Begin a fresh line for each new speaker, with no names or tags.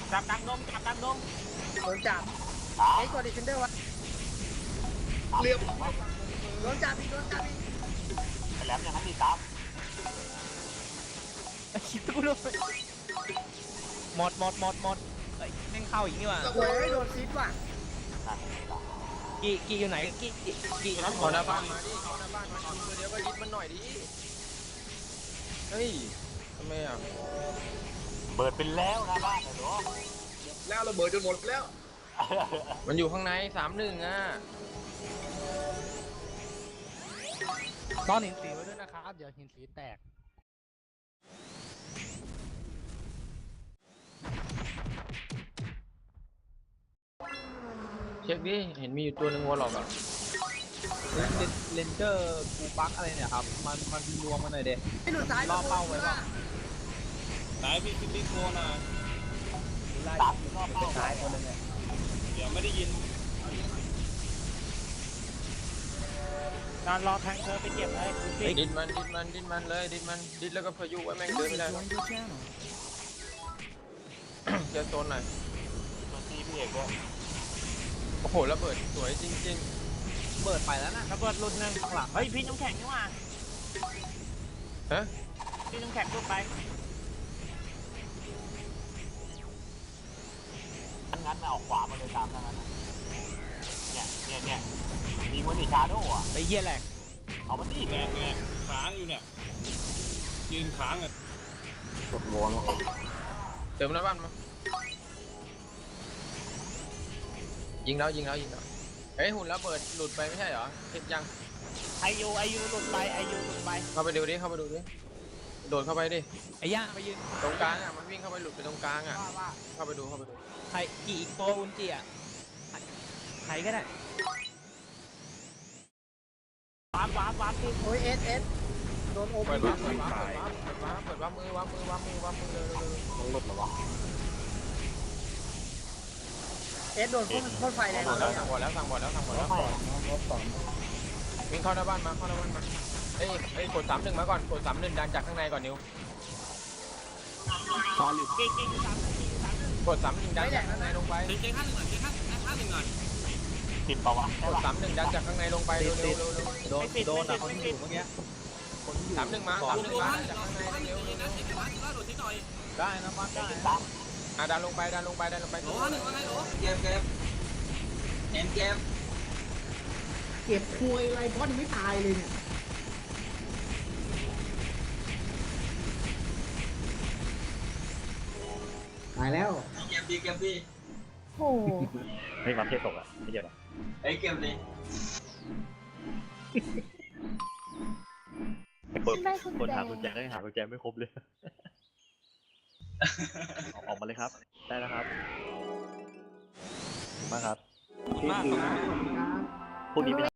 จับกลางดงจับกลางดง
โดนจับเอ็กซ์กดดิเฟนเดอร์วะ
เรียบ
โดนจับอีกโดนจับอีก
แหลมอย่างนั้นดีครับ
คิดตู้ด้วยหมดเฮ้ยแม่งเข้าอีกนี่ว่ะ
โอ้ยโดนซิดว่ะ
กี่อยู่ไหนกี่
นั้นขอหน้าบ้านมาดิขอหน้าบ้านมาตัวเดียวก็ยึดมันหน่อยดิเฮ้ยทำไมอ่ะ
เบิดเป็นแล้วนะบ้านเหรอ
แล้วระเบิดจนหมดแล้วมันอยู่ข้างใน3-1อ่ะ
ต้อนหินสีไว้ด้วยนะครับเดี๋ยวหินสีแตก
เช็คดิเห็นมีอยู่ตัวหนึ่งวอลล็อกอ่ะ
เลนเจอร์กูปักอะไรเนี่ยครับมันรวมกันหน่อยเด็
ไอ้หลุดซ้าย
ล่อเป้าไว้ป่ะ
ไหนพี่โคนะ
ตัดรอบเป้า
ซ้ายคนนึงเนี่ย
เดี๋ยวไม่ได้ยิน
การรอแทงเธอไปเก็บเลยดูสิ
ดิดมันเลยดิดแล้วก็พายุไว้แม่งเดินไม่ได้เจอโซนหน่อย
มันตีพี่เอกด้วย
โอ้โหระเบิดสวยจริง
เบิดไปแล้วนะระเบิดรุ่นหนึ่งข้างหลังเฮ้ยพี่น้ำแข็งนี่ว่ะ
ๆฮะ
พี่น้ำแข็งลุกไป
งั้นมาออกขวามาเลยตามนั้นเนี่ยยิงมันดิชาโดอ่ะ
ไปเยี่ยแหลก
เอามันดิ
แงค้างอยู่เนี่ยยืนค้างอ่ะ
กดวน
เติมหน้าบ้านมายิงแล้วเฮ้ยหุ่นระเบิดหลุดไปไม่ใช่เหรอเช็คยัง
ไอยูหลุดไป
เข้าไปดูดิโดดเข้าไปดิ
ไอ้ย่าไปยืน
ตรงกลางอ่ะมันวิ่งเข้าไปหลุดไปตรงกลางอ่ะเข้าไปดู
ใครกี่อีกตัวอุนจิอ่ะใครก็ได้วาร์ปพี่
โอ้ยเอสโดนโอ
เปิ
พี
ดวาร์ปมือวาร์ปมือเร็ว
มันหลุดเหรอวะ
เอสโดนพ่นไฟแรง
สั่ง
เลย
บอลแล้ววิ่งเข้าหน้าบ้านมาเอ้ยกด3-1มาก่อนกด3-1ดันจากข้างในก่อนนิว
กี่
กด3-1ดันจากข้างในลงไป
เจ๊ข้างหนึ่งหน่อย
ติดปะวะ
กด3-1ดันจากข้างในลงไปเร็ว
โดนอ่ะคนที่อยู่เมื่อกี้
3-1มาดันจากข้างในเร็ว
ได้นะบ้านได้
ตาม
ดันลงไป
เก็บควยอะไรบอสยังไม่ตายเลยเนี่ยตายแล้ว
เก็บดี
โอ้โห
ไม่มาเทศตกอ่ะไม่เยอะหรอ
ไอ้เก็บดิ
คนหากุญแจก็ยังหากุญแจไม่ครบเลยออกมาเลยครับได้แล้วครับมาครับ
มาก
พวกนี้